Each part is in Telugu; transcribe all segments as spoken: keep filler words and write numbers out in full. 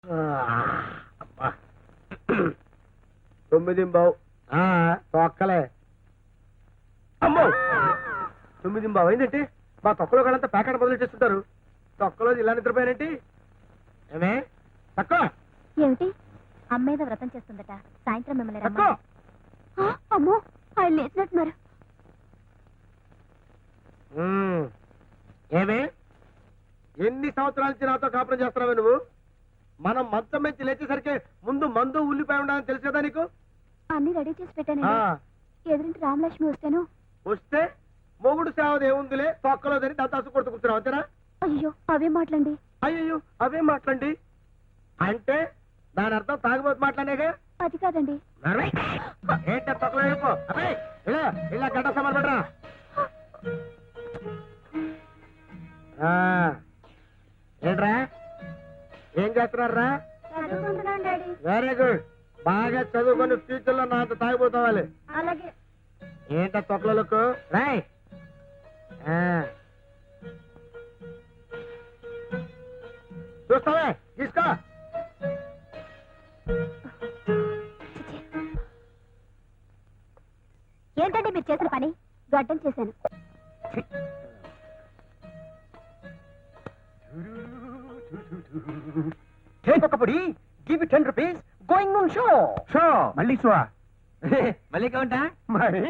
తొమ్మిది బావు తొక్కలే అమ్మో తొమ్మిది బావు అయిందంటే మా తొక్కలో కాడంతా ప్యాకెట్ మొదలు చేస్తుంటారు. తొక్కలో ఇలా నిద్రపోయారేంటి? ఏమే తక్కువ ఏమిటి? అమ్మేదో వ్రతం చేస్తుందట, సాయంత్రం మిమ్మల్ని రమ్మని. అమ్మో, ఆయన లేచినట్టున్నారు. ఏమే ఎన్ని సంవత్సరాల నుంచి నాతో కాపురం చేస్తున్నావే నువ్వు? మనం మంచం మంచి లేచేసరికి ముందు మందు ఉల్లిపాయ ఉండాలని తెలుసు కదా నీకు? అన్ని రెడీ చేసి పెట్టానండి. ఎదురింటి రామలక్ష్మి వస్తేను వస్తే మొగుడు సేవది ఏముందిలే తొక్కలోదని దత్తాసు కొడుతూ కూర్చున్నావు అంతేనా? అయ్యో అవే మాటలండి. అయ్యో అవే మాటలండి అంటే దాని అర్థం తాగుబోతు మాట్లాడేగా? అది కాదండి. ఏంటో తొక్కలో వెళ్ళిపో. అబ్బాయి ఇలా ఇలా గడ్డ సమర్ పెట్టరా. ఏంట్రా ఏం చేస్తున్నారా? Very good. బాగా చదువుకొని ఫ్యూచర్ లో నాతో తాగిపోతావాలి. అలాగే. ఏంట తొక్కలకు రాయ్. చూస్తావే తీసుకో. ఏంటంటే మీరు చేసిన పని? గడ్డం చేశాను. ఒకపడి give ten rupees going on show show మళ్ళీ షో మళ్ళీ కౌంటా మరి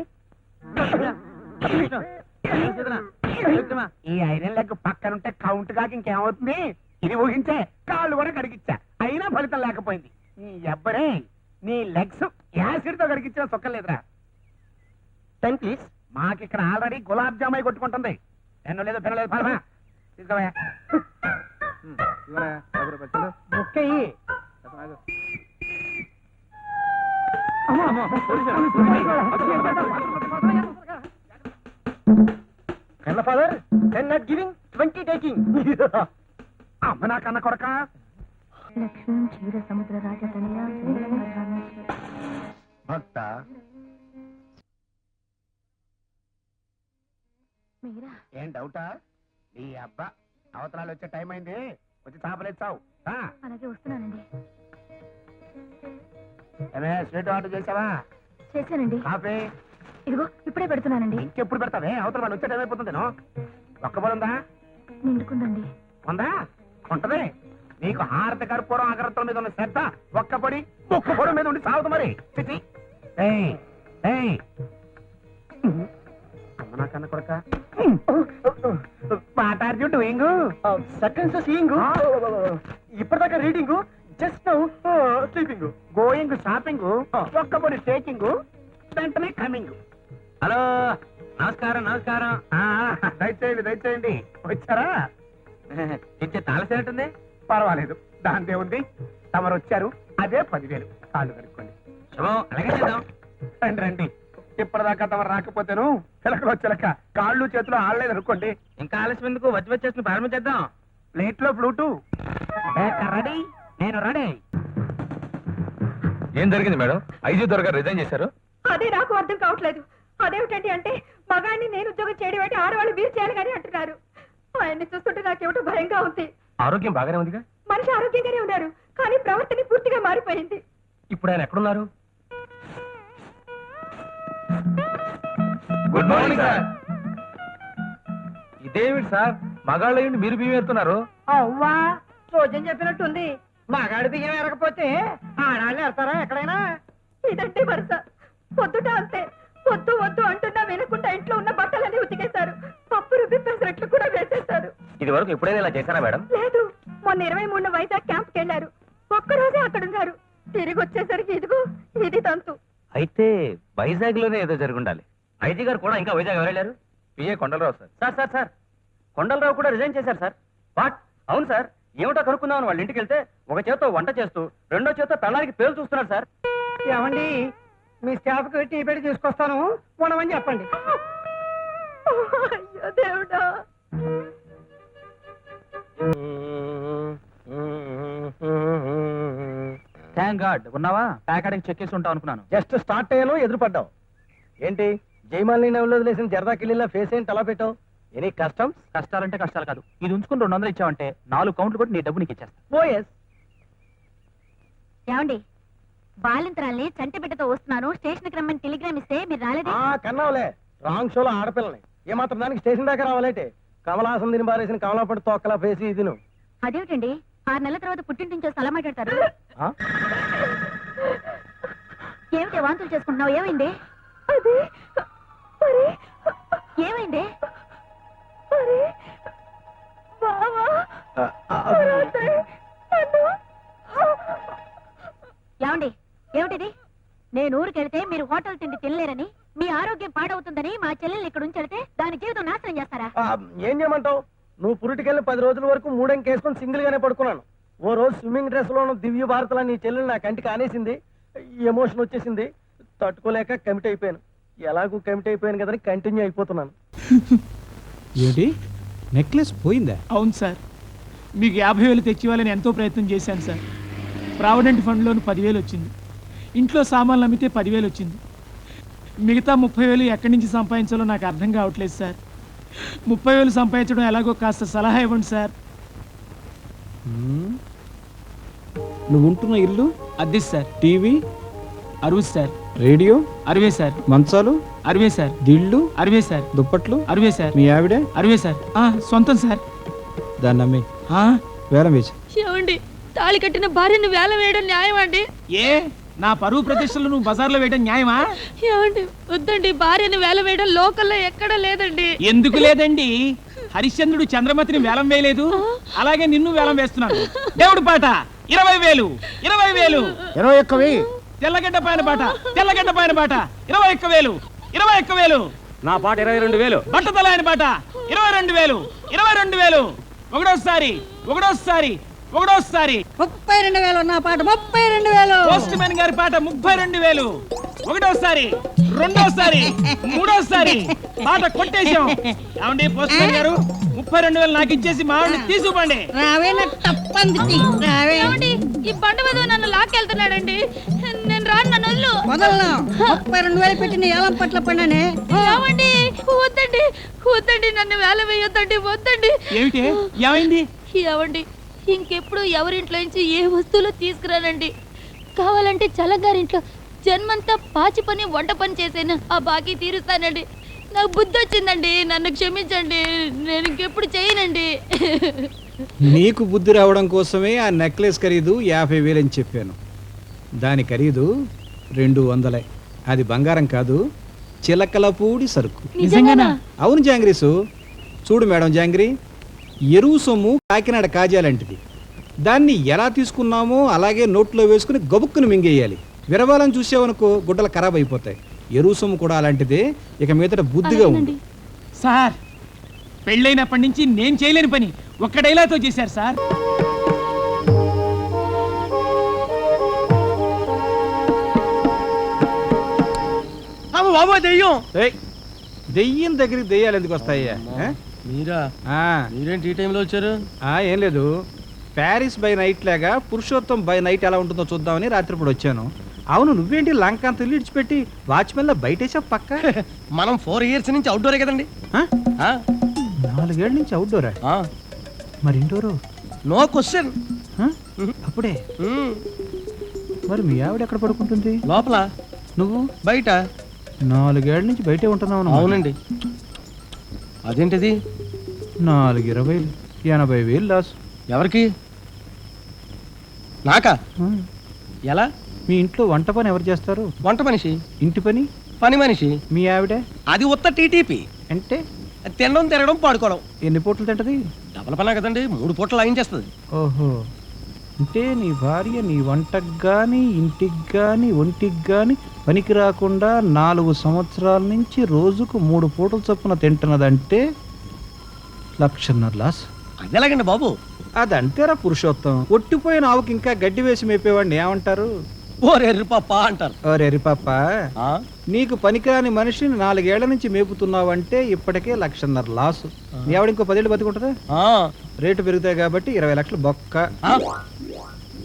ఈ ఐరన్ లెగ్ పక్కన ఉంటే కౌంట్ కాక ఇంకేమవుతుంది? ఇది ఊహించే కాళ్ళు కూడా కడిగిచ్చా, అయినా ఫలితం లేకపోయింది. నీ ఎవ్వరే నీ లెగ్స్ యాసిడ్ తో కడిగిచ్చిన సొక్కలేదురా. Ten please. మాకిక్కడ ఆల్రెడీ గులాబ్ జామాయి కొట్టుకుంటుంది. పెన్ను లేదు పెన్ను లేదు పలమా తీసుకోవా. ముక్కయ్యి కన్న father ten not giving twenty taking. అమ్మ నా కన్న కొడక. లక్ష్మీ క్షీర సముద్ర రాజ భక్త మీరా? ఏం డౌటా? నీ అబ్బా అవతరాలు వచ్చే టైం అయింది, వచ్చి చాపలేచ్చావు. అలాగే వస్తున్నానండి. ఏమే స్వీట్ ఆర్డర్ చేసావా? చేశానండి. కాఫీ ఇదిగో ఇప్పుడే పెడుతున్నానండి. ఇంకెప్పుడు పెడతావే? అవతల వాళ్ళు వచ్చే టైం అయిపోతుంది. ఒక్క పొలందా? నిండుకుందండి. ఉందా? ఉంటది. నీకు హారత కర్పూరం అగరత్తుల మీద ఉన్న శ్రద్ధ ఒక్క పొడి ఒక్క పొడి మీద ఉండి సాగుతు మరి. చిచి అమ్మ నా కన్న కొడక. What are you doing? Seconds seeing, ఇప్పటిదాకా reading, just now sleeping. Going shopping, ఒక్క పొడి టేకింగ్, వెంటనే కమింగ్. హలో నమస్కారం నమస్కారం. దయచేయండి దయచేయండి. వచ్చారా? ఇచ్చే తాళసేనట్టుంది. పర్వాలేదు, దాంతే ఉంది. తమరు వచ్చారు, అదే పదివేలు. కాళ్ళు కనుక్కోండి. అలాగే చేద్దాం. రండి రండి. ఇప్పటిదాకా తమరు రాకపోతేను చిలకలో చిలక కాళ్ళు చేతులు ఆడలేదు అనుకోండి. ఇంకా ఆలస్యం ఎందుకు? వచ్చి వచ్చేసి ప్రారంభించేద్దాం. ప్లేట్ లో ఫ్లూటు రెడీ. నేను రెడీ. ఏం జరిగింది మేడం? ఐజీ దొరగారు రిజైన్ చేశారు. అదే నాకు అర్థం కావట్లేదు. అదేమిటండి అంటే మగాన్ని నేను ఉద్యోగం చేయడం అంటే ఆడవాళ్ళు మీరు చేయాలి కానీ అంటున్నారు. ఆయన్ని చూస్తుంటే నాకేమిటో భయంగా ఉంది. ఆరోగ్యం బాగానే ఉందిగా? మనిషి ఆరోగ్యంగానే ఉన్నారు, కానీ ప్రవర్తన పూర్తిగా మారిపోయింది. ఇప్పుడు ఆయన ఎక్కడున్నారు? Good morning sir. ఇదేమిటి సార్, మగాళ్ళ మీరు బియ్యం ఎత్తున్నారు? అవ్వా రోజం చెప్పినట్టుంది. మగాడి బియ్యం ఎరగపోతే ఆడాళ్ళు ఎడతారా ఎక్కడైనా? ఇదంటే వరుస. పొద్దుట అంతే, వద్దు వద్దు అంటున్నా వినకుండా ఇంట్లో ఉన్న బట్టలన్నీ ఉతికేశారు. పప్పు రుబ్బి పెసరట్లు కూడా వేసేశారు. ఇది వరకు ఎప్పుడైనా ఇలా చేశారా మేడం? లేదు, మొన్న ఇరవై మూడు వైజాగ్ క్యాంప్కి వెళ్ళారు. ఒక్కరోజే అక్కడ ఉన్నారు. తిరిగి వచ్చేసరికి ఇదిగో ఇది తంతు. అయితే వైజాగ్ లోనే ఏదో జరుగుండాలి. ఐజీ గారు కూడా ఇంకా వైజాగ్ ఎవరెళ్ళారు? PA Kondalarao sir. Sir sir sir Kondalarao కూడా రిజైన్ చేశారు సార్. వాట్? అవును సార్. ఏమిటో కనుక్కుందామని వాళ్ళ ఇంటికి వెళ్తే ఒక చేత్తో వంట చేస్తూ రెండో చేత్తో పెళ్ళానికి పేరు చూస్తున్నారు సార్. ఏమండి, మీ స్టాఫ్ కి టీ పెట్టి తీసుకొస్తాను, ఉండమని చెప్పండి. అయ్యో దేవుడా. థ్యాంక్ గాడ్ ఉన్నావా? ప్యాకెట్కి చెక్ చేసి ఉంటావు అనుకున్నాను. జస్ట్ స్టార్ట్ అయ్యాను, ఎదురుపడ్డావు. ఏంటి జైమాలిని నవ్వులో వదిలేసిన జరదా కిల్లీలా ఫేస్ ఏంటి అలా పెట్టావు? ఎనీ కష్టం? కష్టాలంటే కష్టాలు కాదు. ఇది ఉంచుకుని రెండు వందలు ఇచ్చావంటే నాలుగు కౌంట్లు కొట్టి నీ డబ్బు నీకు ఇచ్చేస్తా. ఓఎస్ ఏమండి బాలింతరాల్ని చంటి బిడ్డతో వస్తున్నాను స్టేషన్కి రమ్మని టెలిగ్రామ్ ఇస్తే మీరు రాలేదే కన్నావులే రాంగ్ షోలో ఆడపిల్లని ఏమాత్రం దానికి స్టేషన్ దాకా రావాలంటే కమలాసం తిని బారేసిన కమలాపడి తొక్కలా పేసి ఇది నువ్వు అదేమిటండి ఆరు నెలల తర్వాత పుట్టింటి నుంచి స్థలం మాట్లాడతారు ఏమిటి వాంతులు చేసుకుంటున్నావు ఏమైంది అది మరి ఏమైంది మరి బావా రాత్రి నన్ను ఏమండి ఏమిటిది నేను ఊరికి వెళితే మీరు హోటల్ తిండి తినలేరని మీ ఆరోగ్యం పాడవుతుందని మా చెల్లెల్ని ఇక్కడ ఉంచెడితే దాని జీవితం నాశనం చేస్తారా ఆ, ఏం చేయమంటావు నువ్వు పురిటికెళ్ళి పది రోజుల వరకు మూడెంకేసుకొని సింగిల్ గానే పడుకున్నాను ఓ రోజు స్విమ్మింగ్ డ్రెస్ లోను దివ్య భారతలా నీ చెల్లెలు నా కంటికి ఆనేసింది ఎమోషన్ వచ్చేసింది తట్టుకోలేక కమిట్ అయిపోయాను ఎలాగూ కమిట్ అయిపోయాను కదని కంటిన్యూ అయిపోతున్నాను ఏంటి నెక్లెస్ పోయిందా? అవును సార్ మీకు యాభై వేలు తెచ్చివ్వాలని ఎంతో ప్రయత్నం చేశాను సార్ ప్రావిడెంట్ ఫండ్లోని పదివేలు వచ్చింది ఇంట్లో సామాన్లు అమ్మితే పదివేలు వచ్చింది మిగతా ముప్పై వేలు ఎక్కడి నుంచి సంపాదించాలో నాకు అర్థం కావట్లేదు సార్ ముప్పై వేలు సంపాదించడం ఎలాగో కాస్త సలహా ఇవ్వండి సార్ హ్మ్. నువ్వు ఉంటున్న ఇల్లు, అద్దె సార్ టీవీ, అరవై సార్ రేడియో, అరవై సార్ మంచాలు, అరవై సార్ దిళ్ళు, అరవై సార్ దుప్పట్లు, అరవై సార్ మీ ఆవిడ అరవై సార్ ఆ, సొంతం సార్ దాన్ని అమ్మి ఆ, వేలం వేసి ఏమండి తాళి కట్టిన భార్యను వేల వేయడం న్యాయం అండి ఏ నా పరువు ప్రతిష్టలు నువ్వు బజార్లో వేయడం న్యాయమా ఏమండి వద్దండి భార్యను వేల వేయడం లోకల్లో ఎక్కడా లేదండి ఎందుకు లేదండి హరిశ్చంద్రుడు చంద్రమతిని వేలం వేయలేదు అలాగే నిన్ను వేలం వేస్తున్నాను దేవుడి పాట ఇరవై వేలు ఇరవై వేలు ఇరవై ఒక్క వెయ్యి తెల్లగడ్డ పైన పాట తెల్లగడ్డ పైన పాట ఇరవై ఒక్క వేలు ఇరవై ఒక్క వేలు నా పాట ఇరవై రెండు వేలు బట్టతల ఆయన పాట ఇరవై రెండు వేలు ఇరవై రెండు వేలు ఒకటోసారి ఒకటోసారి ఒకటోసారి ముప్పై రెండు వేలు నా పాట ముప్పై రెండు వేలు పోస్ట్ మ్యాన్ గారి పాట ముప్పై రెండు వేలు ఒకటోసారి రెండోసారి మూడోసారి పాట కొట్టేశాం ఏమండి పోస్ట్ మ్యాన్ గారు ముప్పై రెండు వేలు నాకు ఇచ్చేసి మా ఆవిడని తీసుకుపండి రావే నా తప్పంది రావే ఏమండి ఈ బండ మీద నన్ను లాక్కెళ్తున్నాడండి నేను రాను నన్ను వదిలు వదలను ముప్పై రెండు వేలు పెట్టి నీ ఏలం పట్ల పడినానే ఏమండి వద్దండి వద్దండి నన్ను వేల వేయొద్దండి వద్దండి ఏమిటి ఏమైంది ఏమండి ఇంకెప్పుడు ఎవరింట్లో నుంచి ఏ వస్తువులు తీసుకురానండి కావాలంటే చల్లగారింట్లో జన్మంతా పాచి పని వంట పని చేసేను ఆ బాకీ తీరుస్తానండి నాకు బుద్ధి వచ్చిందండి నన్ను క్షమించండి నేను ఇంకెప్పుడు చేయనండి నీకు బుద్ధి రావడం కోసమే ఆ నెక్లెస్ ఖరీదు యాభై వేలని చెప్పాను. దాని ఖరీదు రెండు వందలే. అది బంగారం కాదు, చిలకలపూడి సరుకు. నిజంగానా? అవును జాంగ్రీసు. చూడు మేడం జాంగ్రీ, ఎరువు సొమ్ము కాకినాడ కాజాలంటిది. దాన్ని ఎలా తీసుకున్నామో అలాగే నోట్లో వేసుకుని గబుక్కుని మింగేయాలి. విరవాలని చూసావనుకో గుడ్డలు ఖరాబ్ అయిపోతాయి. ఎరువు సొమ్ము కూడా అలాంటిదే. ఇక మీదట బుద్ధిగా ఉంది. సార్ పెళ్ళైనప్పటి నుంచి నేను చేయలేని పని ఒక్క డైలాగ్తో చేశారు సార్. బాబా దెయ్యం ఏయ్, దెయ్యం దగ్గరికి దెయ్యాలు ఎందుకు వస్తాయ్యా? ఆ? మీరా ఆ, మీరేంటి ఈ టైంలో వచ్చారు? ఆ, ఏం లేదు, ప్యారిస్ బై నైట్ లాగా పురుషోత్తం బై నైట్ ఎలా ఉంటుందో చూద్దామని రాత్రిపూట వచ్చాను. అవును, నువ్వేంటి లంక అంత ఇల్లు ఇడిచిపెట్టి వాచ్మెన్ లో బయటేసా పక్క? మనం ఫోర్ ఇయర్స్ నుంచి అవుట్డోరే కదండి. ఆ? నాలుగేళ్ల నుంచి అవుట్డోరా, మరి ఇండోరు? No question. అప్పుడే మరి మీ ఆవిడ ఎక్కడ పడుకుంటుంది? లోపల, నువ్వు బయట. నాలుగేళ్ల నుంచి బయటే ఉంటున్నావు. అవునండి. అదేంటిది? నాలుగు ఇరవై ఎనభై వేలు లాస్. ఎవరికి? నాకా? ఆ. ఎలా? మీ ఇంట్లో వంట పని ఎవరు చేస్తారు? వంట మనిషి. ఇంటి పని? పని మనిషి. మీ ఆవిడ? అది ఉత్త టీటీపీ. అంటే తినడం తిరగడం పాడుకోవడం. ఎన్ని పూటలు తింటది? డబల్ పనా కదండి, మూడు పూటలు లాగించేస్తుంది. ఓహో, అంటే నీ భార్య నీ వంటకు కానీ ఇంటికి కానీ ఒంటికి కానీ పనికి రాకుండా నాలుగు సంవత్సరాల నుంచి రోజుకు మూడు పూటలు చొప్పున తింటున్నదంటే లక్షన్నర లాస్. అది ఎలాగండి బాబు? అదంతేరా పురుషోత్తం. ఒట్టిపోయిన ఆవుకి ఇంకా గడ్డి వేసి మేపేవాడిని ఏమంటారు? ఓరెర్రి పాప అంటారు. ఓరేరి పాప, ఆ? నీకు పనికిరాని మనిషిని నాలుగేళ్ల నుంచి మేపుతున్నావంటే ఇప్పటికే లక్షన్నర లాసు. నీ ఆవిడ ఇంకో పదేళ్ళు బతికుంటుందా? ఆ. రేటు పెరుగుతాయి కాబట్టి ఇరవై లక్షలు బొక్క. ఆ?